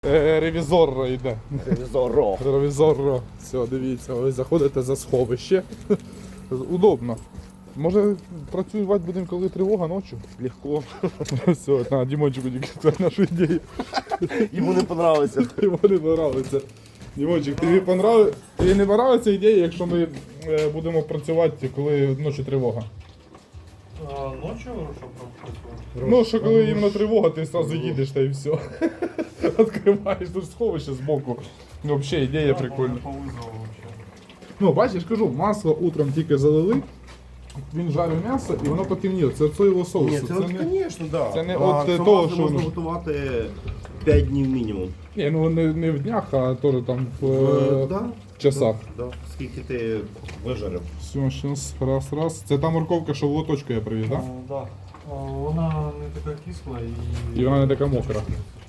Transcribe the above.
Ревізор йде. Ревізор. Все, дивіться, ви заходите за сховище. Удобно. Може працювати будемо, коли тривога ночі? Легко. Все, на Дімончику диктує нашу ідею. Йому не понравилося. Йому не подобається. Дімончик, тобі не подобається ідея, якщо ми будемо працювати, коли ночі тривога? Ночью що працювати? Ну, що коли іменно тривога, ти одразу їдеш та і все. Відкриваєш тут сховище збоку. Ну, взагалі ідея прикольна. По вызову вообще. Ну, бачиш, кажу, масло утром тільки залили, він жарив м'ясо і воно потемніло. Це соєвого соусу. Ні, це звісно, да. це не А от це того, масло що можна воно- готувати 5 днів мінімум. Ні, ну не в днях, а теж там в Да, часах. да. Скільки ти вижарив? Все, зараз, раз. Це та морковка, що в лоточку я привіз, так? Да. Вона не така кисла і... І вона не така мокра.